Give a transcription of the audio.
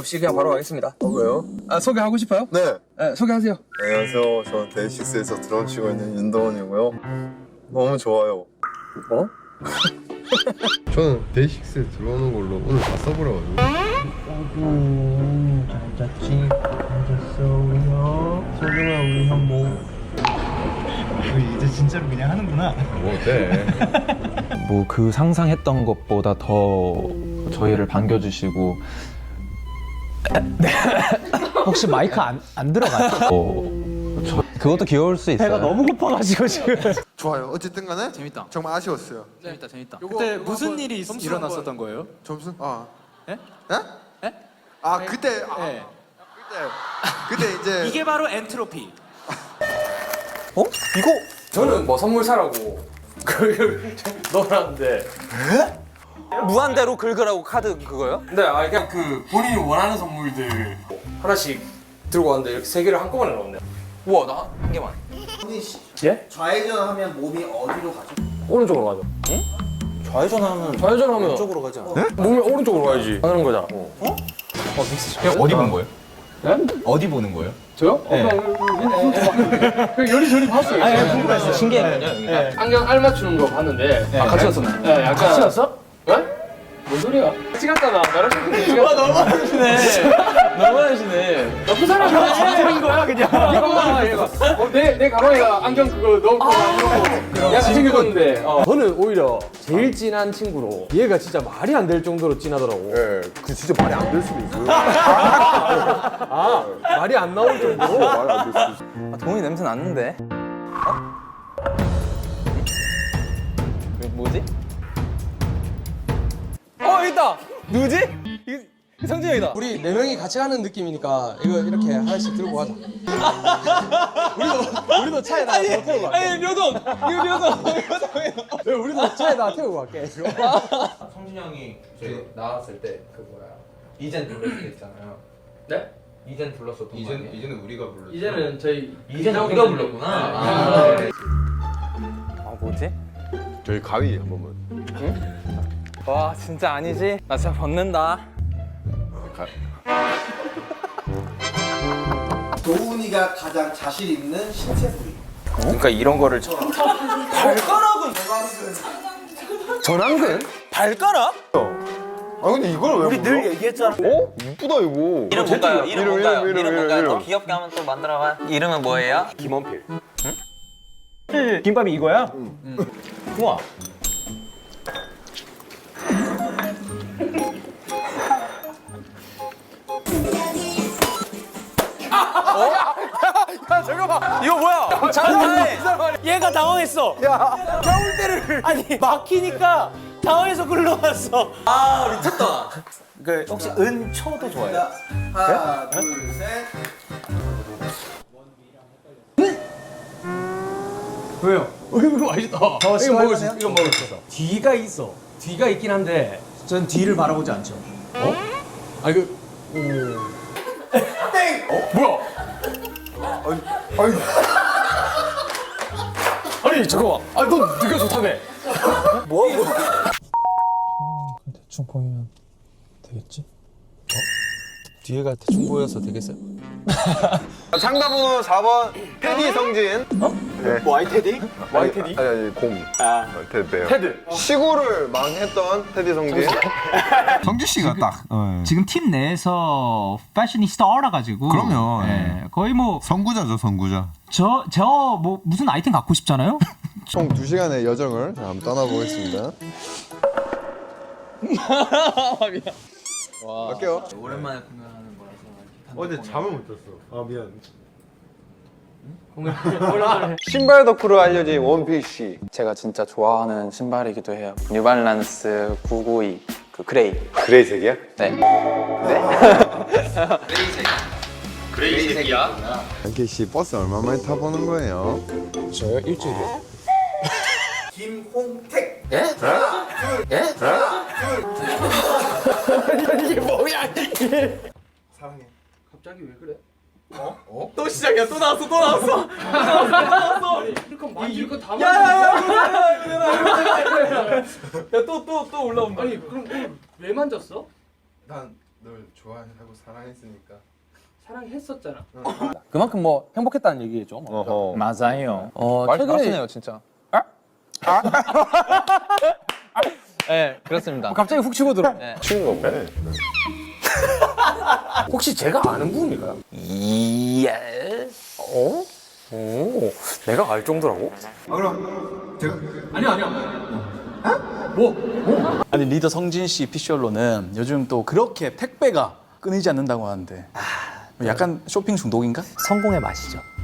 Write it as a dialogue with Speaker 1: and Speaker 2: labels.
Speaker 1: 없이 그냥 바로 가겠습니다.
Speaker 2: 왜요?
Speaker 1: 아, 소개하고 싶어요?
Speaker 2: 네.
Speaker 1: 네, 소개하세요.
Speaker 2: 안녕하세요. 저는 데이식스에서 드럼 치고 있는 윤도원이고요. 너무 좋아요. 어?
Speaker 3: 저는 데이식스에 들어오는 걸로 오늘 다 써보려가지고.
Speaker 4: 잘 잤지? 잘 잤어 우리 형. 소중한 우리 현모. 우리 이제 진짜로 그냥 하는구나.
Speaker 3: 뭐 어때?
Speaker 5: 뭐 그 상상했던 것보다 더 저희를 반겨주시고
Speaker 4: 혹시 마이크 안 들어가요?
Speaker 5: 그것도 귀여울 수 있어요.
Speaker 4: 배가 너무 고파가지고 지금.
Speaker 6: 좋아요. 어쨌든 간에
Speaker 7: 재밌다.
Speaker 6: 정말 아쉬웠어요.
Speaker 7: 재밌다.
Speaker 6: 그때 무슨 일이
Speaker 7: 일어났었던 거예요?
Speaker 6: 점수? 아.
Speaker 7: 예?
Speaker 6: 예?
Speaker 7: 예?
Speaker 6: 아, 그때
Speaker 7: 네.
Speaker 6: 그때 이제
Speaker 7: 이게 바로 엔트로피.
Speaker 1: 어? 이거? 저는 뭐 선물 사라고 넣어놨는데. 무한대로 긁으라고 카드 그거요? 네, 아 그냥 그 본인이 원하는 선물들 하나씩 들고 왔는데 이렇게 세 개를 한꺼번에 넣었네. 우와, 나 한 개만. 예?
Speaker 8: 좌회전하면 몸이 어디로 가죠?
Speaker 1: 오른쪽으로 가죠. 좌회전하면 왼쪽으로 가지 않아? 몸이 오른쪽으로 가야지. 하는 거잖아.
Speaker 5: 그냥 어디 본 거예요?
Speaker 1: 네?
Speaker 5: 어디 보는 거예요?
Speaker 1: 저요? 그냥 요리조리 봤어요.
Speaker 4: 궁금했어. 신기했거든요.
Speaker 1: 안경 알 맞추는 거 봤는데. 아, 같이 왔었나요? 네, 약간. 같이 왔어? 네? 뭔 소리야? 같이 갔잖아. 나랑 같이 갔잖아.
Speaker 4: 너무 하시네. 너무 하시네.
Speaker 1: 나쁜 사람인 거야, 그냥. 이거만 얘가. 내 가방에다 안경 그거 넣고 약간 챙겨줬는데. 저는 오히려 제일 진한 친구로 얘가 진짜 말이 안 될 정도로 진하더라고.
Speaker 2: 예, 그 진짜 말이 안 될 수도 있어요.
Speaker 1: 아, 말이 안 나올 정도로?
Speaker 2: 말이 안 될 수도 있어요.
Speaker 5: 동훈이 냄새 났는데. 뭐지?
Speaker 1: 있다! 누구지? 성진이 형이다. 우리 네 명이 같이 가는 느낌이니까 이거 이렇게 하나씩 들고 가자. 우리도 차에다 태우고 갈게. 아니, 묘동! 우리도 차에다 태우고 갈게.
Speaker 5: 성준이 형이 저희 나왔을 때 그 뭐야 이젠 불렀을 때 있잖아요.
Speaker 1: 네?
Speaker 5: 이젠 불렀었던 거 아니에요?
Speaker 3: 이제는 우리가 불렀어.
Speaker 1: 이제는 저희
Speaker 5: 이젠 우리가 불렀구나. 아 뭐지?
Speaker 2: 저희 가위 한 번만.
Speaker 5: 와 진짜 아니지? 나 진짜 벗는다.
Speaker 8: 도훈이가 가장 자신 있는 신체 부위.
Speaker 5: 그러니까 이런 거를 발가락은 전완근? 발가락?
Speaker 2: 아 근데 이걸 왜?
Speaker 8: 우리 늘 얘기했잖아.
Speaker 2: 어? 이쁘다 이거.
Speaker 9: 이름 뭔가요? 이름 뭔가요?
Speaker 2: 이름,
Speaker 9: 이름 뭔가요?
Speaker 2: 이름.
Speaker 9: 더 귀엽게 하면 또 만들어봐. 이름은 뭐예요?
Speaker 2: 김원필.
Speaker 4: 김밥이 이거야?
Speaker 5: 우와.
Speaker 1: 이거 뭐야?
Speaker 4: 잠깐만. 얘가 당황했어.
Speaker 1: 야, 겨울대를
Speaker 4: 아니 막히니까 당황해서 굴러갔어.
Speaker 1: 아, 미쳤다.
Speaker 4: 그 혹시 은초도 좋아해요?
Speaker 8: 하나, 둘, 셋.
Speaker 1: 왜요? 이거 맛있다. 이거 먹을 수 있어. 이거 먹을 수 있어.
Speaker 4: 뒤가 있어.
Speaker 1: 뒤가 있긴 한데.
Speaker 4: 전 뒤를 바라보지 않죠.
Speaker 1: 아 이거.
Speaker 8: 땡!
Speaker 1: 뭐야? 아니 잠깐만. 아너 네가 좋다며.
Speaker 8: 뭐?
Speaker 4: 대충 보이면 되겠지? 뒤에가 대충 보여서 되겠어요?
Speaker 2: 상담번호 4번 테디 성진.
Speaker 8: 뭐 와이테디?
Speaker 2: 와이테디? 아니 곰. 테드요.
Speaker 1: 테드.
Speaker 2: 시구를 망했던 테디 성진.
Speaker 10: 성주 씨가 딱 지금 팀 내에서 패셔니스타라 가지고
Speaker 3: 그럼요.
Speaker 10: 예, 거의 뭐
Speaker 3: 선구자죠, 선구자.
Speaker 10: 저 뭐 무슨 아이템 갖고 싶잖아요.
Speaker 2: 총 2시간의 여정을 한번 떠나보겠습니다. 갈게요.
Speaker 5: 오랜만에 공연하는 거라서.
Speaker 3: 어제 잠을 못 잤어. 아 미안.
Speaker 2: 신발 덕후로 알려진 원피스.
Speaker 5: 제가 진짜 좋아하는 신발이기도 해요. 뉴발란스 992 그 그레이.
Speaker 2: 그레이색이야?
Speaker 5: 네.
Speaker 2: 한케이 씨 버스 얼마 만에 타보는 거예요?
Speaker 1: 저요 일주일이요.
Speaker 8: 김홍택.
Speaker 1: 예? 예? 이게 뭐야 이게?
Speaker 8: 사랑해.
Speaker 1: 갑자기 왜 그래? 또 시작이야. 또 나왔어. 또 나왔어. 이렇게 만질 거 다 만져. 야또 올라온다. 아니 그럼 왜 만졌어?
Speaker 8: 난
Speaker 3: 널 좋아하고 사랑했으니까.
Speaker 5: 사랑했었잖아.
Speaker 1: 그만큼 뭐 행복했다는 얘기겠죠.
Speaker 2: 어허.
Speaker 10: 맞아요.
Speaker 1: 최근에
Speaker 10: 진짜.
Speaker 1: 네, 그렇습니다. 갑자기 훅 치고 들어.
Speaker 2: 치는 건데.
Speaker 1: 혹시 제가 아는 분인가요?
Speaker 9: 예스.
Speaker 1: 오, 내가 알 정도라고?
Speaker 7: 아니 리더 성진 씨 피셜로는 요즘 또 그렇게 택배가 끊이지 않는다고 하는데 약간 쇼핑 중독인가?
Speaker 1: 성공의 맛이죠.